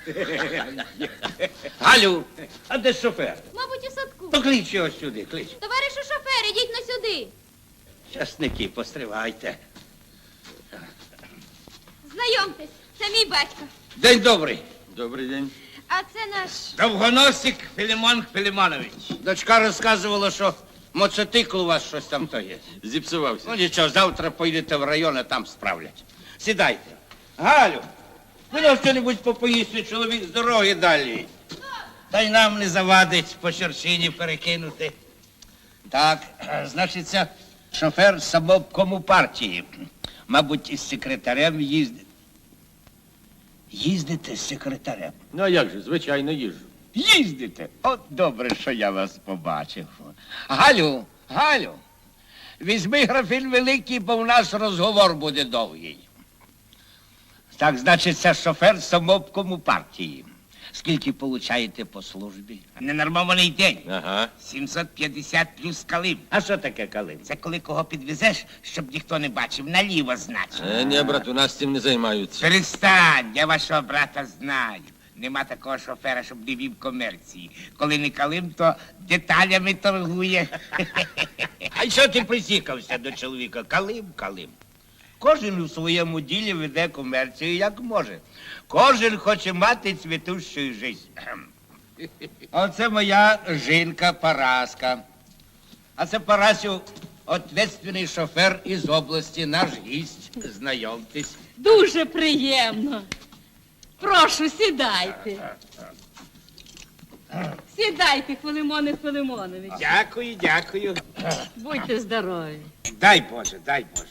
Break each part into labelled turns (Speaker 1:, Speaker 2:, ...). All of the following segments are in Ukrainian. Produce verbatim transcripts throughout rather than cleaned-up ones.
Speaker 1: Галю, а де шофер?
Speaker 2: Мабуть, у садку.
Speaker 1: То клич його сюди, клич.
Speaker 2: Товаришу шофер, ідіть на сюди.
Speaker 1: Часники, постривайте.
Speaker 2: Знайомтесь, це мій батько.
Speaker 1: День добрий.
Speaker 3: Добрий день.
Speaker 2: А це наш...
Speaker 1: Довгоносик Філімон Філімонович. Дочка розказувала, що моцикл у вас щось там то є.
Speaker 3: Зіпсувався.
Speaker 1: Ну нічого, завтра поїдете в район, а там справлять. Сідайте. Галю, ви нам що-небудь попоїсти, чоловік з дороги далі. Та й нам не завадить по черчині перекинути. Так, значиться, шофер самообкому партії. Мабуть, із секретарем їздить. Їздите з секретарем?
Speaker 3: Ну а як же, звичайно, їжджу.
Speaker 1: Їздите? От добре, що я вас побачив. Галю, Галю, візьми графін великий, бо в нас розговор буде довгий. Так, значить, це шофер самообкому партії. Скільки получаєте по службі? Ненормований день.
Speaker 3: Ага.
Speaker 1: сімсот п'ятдесят плюс калим. А що таке калим? Це коли кого підвезеш, щоб ніхто не бачив, наліво, значить.
Speaker 3: Е, ні, брат, у нас цим не займаються.
Speaker 1: Перестань, я вашого брата знаю. Нема такого шофера, щоб не вів комерції. Коли не калим, то деталями торгує. А що ти присікався до чоловіка? Калим, калим. Кожен у своєму ділі веде комерцію, як може. Кожен хоче мати цвітущу життя. Оце моя жінка Параска. А це Парасю, ответственний шофер із області, наш гість. Знайомтесь.
Speaker 4: Дуже приємно. Прошу, сідайте. Сідайте, Филимоне Филимонович.
Speaker 1: Дякую, дякую.
Speaker 4: Будьте здорові.
Speaker 1: Дай Боже, дай Боже.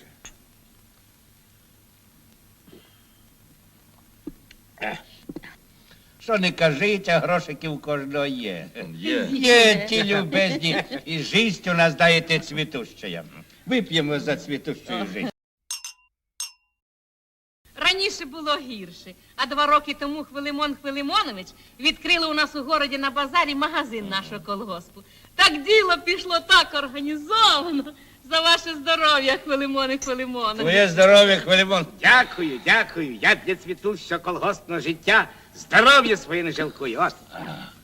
Speaker 1: Що не кажіть, а грошики у кожного є.
Speaker 3: Є.
Speaker 1: Є ті любезні. І життя у нас, даєте, цвітуща. Вип'ємо за цвітущу життя.
Speaker 4: Раніше було гірше, а два роки тому Хвилимон Хвилимонович відкрили у нас у городі на базарі магазин нашого колгоспу. Так діло пішло так організовано. За ваше здоров'я, Хвилимоне Хвилимонович.
Speaker 1: Твоє здоров'я, Хвилимон. Дякую, дякую. Я для цвітущого колгоспного життя здоров'я своє не жалкую. От.